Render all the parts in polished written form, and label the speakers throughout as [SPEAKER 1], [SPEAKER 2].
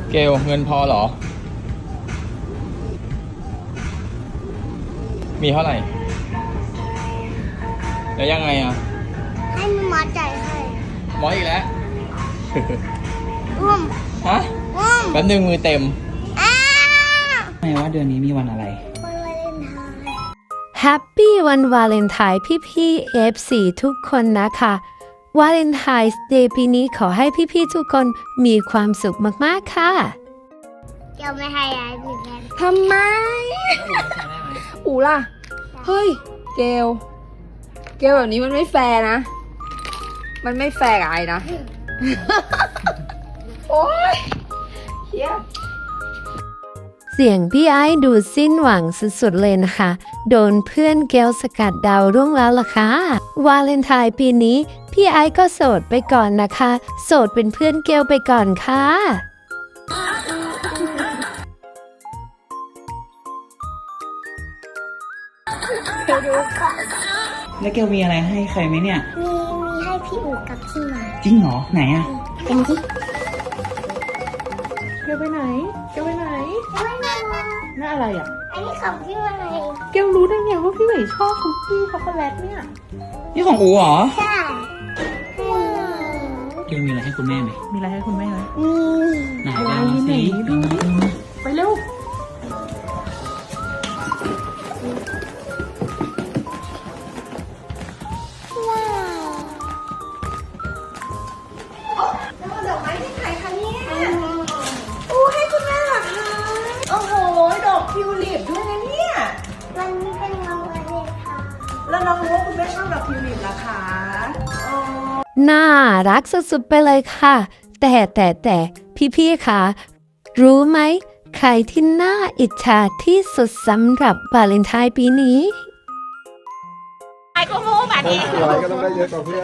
[SPEAKER 1] เกลเงินพอเหรอ มีเท่าไหร่ แล้วยังไงอ่ะ
[SPEAKER 2] ให้หมอจ่ายให้
[SPEAKER 1] หมออีกแล้ว
[SPEAKER 2] อุ้ม
[SPEAKER 1] ฮะ
[SPEAKER 2] อุ้ม
[SPEAKER 1] แป๊บนึงมือเต็ม
[SPEAKER 2] อ้า
[SPEAKER 3] ไม่ว่าเดือนนี้มีวันอะไร
[SPEAKER 2] วันวาเลนไทน์
[SPEAKER 4] แฮปปี้วันวาเลนไทน์พี่ๆ F4 ทุกคนนะคะวาเลนไทน์เดย์ปีนี้ขอให้พี่ๆทุกคนมีความสุขมากๆค่ะ
[SPEAKER 2] เกี่ยวไม่ให้ยายมีแฟน
[SPEAKER 5] ทำไม อูล่ะ เฮ้ย เกลแบบนี้มันไม่แฟร์นะ มันไม่แฟร์กับไอ้นะ โอ๊ยเฮีย
[SPEAKER 4] เสียงพี่ไอ้ดูสิ้นหวังสุดๆเลยนะคะ โดนเพื่อนเกลสกัดดาวรุ่งแล้วล่ะค่ะ วาเลนไทน์ปีนี้พี่ไอ้ก็โสดไปก่อนนะคะ โสดเป็นเพื่อนเกลไปก่อนค่ะ
[SPEAKER 3] แล้วเกลมีอะไรให้ใครไหมเนี่ย
[SPEAKER 2] มีให้พี่อู๋กับพี่หมา
[SPEAKER 3] จริงเหรอ ไหนอะ
[SPEAKER 2] เป็นที่
[SPEAKER 5] เกลไปไหน
[SPEAKER 2] ไม่มา
[SPEAKER 5] น่าอะไรอ่ะ
[SPEAKER 2] อันนี้ของพี่หมา
[SPEAKER 5] เกลรู้ได้ไงว่าพี่เหวยชอบคุกกี้ช็อกโกแลตเนี่ย
[SPEAKER 1] นี่ของอูเหรอ
[SPEAKER 2] ใช่
[SPEAKER 3] เกลมีอะไรให้คุณแม่ไหม
[SPEAKER 5] มีอะไรให้คุณแม่ไหม
[SPEAKER 3] ไหนบ้างสิ
[SPEAKER 5] ดู ไปเร็ว
[SPEAKER 2] ว้าว
[SPEAKER 5] ดอกไม้ที่ใครคะเนี่ยอู้ให้คุณแม่เหรอคะ โอ้โห ดอกทิวลิปด้วยนะเนี่ย
[SPEAKER 2] วันนี้เป็นวันวาเลนไทน์
[SPEAKER 5] แล้วน้องรู้ว่าคุณแม่ชอบดอกทิวลิปเหรอคะอ๋อ
[SPEAKER 4] น่ารักสุดๆไปเลยค่ะ แต่พี่ๆคะรู้ไหม ใครที่น่าอิจฉาที่สุดสำหรับวาเลนไทน์ปีนี้
[SPEAKER 6] อะไรก็ต้องได้เยอะกว่าเพื่อน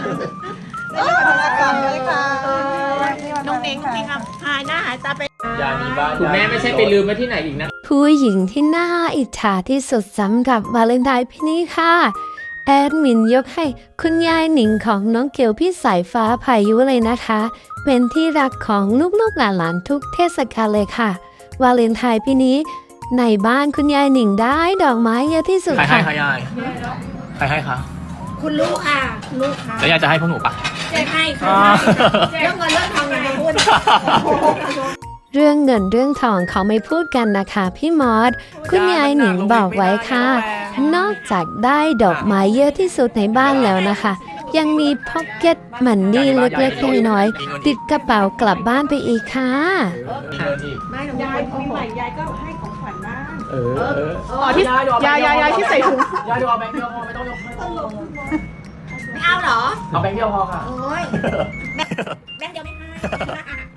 [SPEAKER 7] น้องเน้งมีคำหายหน้าหายตาไป
[SPEAKER 1] ยามีบ้านคุณแม่ไม่ใช่ไปลืมไว้ที่ไหนอีกนะ
[SPEAKER 4] ผู้หญิงที่น่าอิจฉาที่สุดสำหรับวาเลนไทน์ปีนี้ค่ะ แอดมินยกให้คุณยายหนิงของน้องเกลพี่สายฟ้าพายุเลยนะคะ เป็นที่รักของลูกๆหลานๆทุกเทศกาลเลยค่ะ วาเลนไทน์ปีนี้ในบ้านคุณยายหนิงได้ดอกไม้เยอะที่สุด
[SPEAKER 1] ใครให้
[SPEAKER 4] ค่ะ
[SPEAKER 1] คะยาย ใครให้คะ
[SPEAKER 7] คุณลูกค่ะลูกค่ะ
[SPEAKER 1] แล้วยายจะให้พวกหนูปะ
[SPEAKER 7] จะให้ค่ะเรื่องเงินเรื่องทองอย่ามาพูด
[SPEAKER 4] เรื่องเงินเรื่องทองเขาไม่พูดกันนะคะพี่มอสคุณยายหนิงบอกไว้ค่ะ นอกจากได้ดอกไม้เยอะที่สุดในบ้านแล้วนะคะ ยังมีพ็อกเก็ตมันนี่เล็กๆน้อยๆติดกระเป๋ากลับบ้านไปอีกค่ะ
[SPEAKER 1] มีเงินอีก
[SPEAKER 7] ไม่หนูยายปีใหม่ยายก็ให้ของขวัญบ้าง
[SPEAKER 5] อ๋อที่ยายที่ใส่ถุง
[SPEAKER 1] ยายดูเอาแบงค์เดียวพอไม่ต้องยก
[SPEAKER 7] ไม่เอาเหรอ
[SPEAKER 1] เอาแบงค์เดียวพอค่ะ
[SPEAKER 7] โอ้ยแบงค์เดียวไม่ให้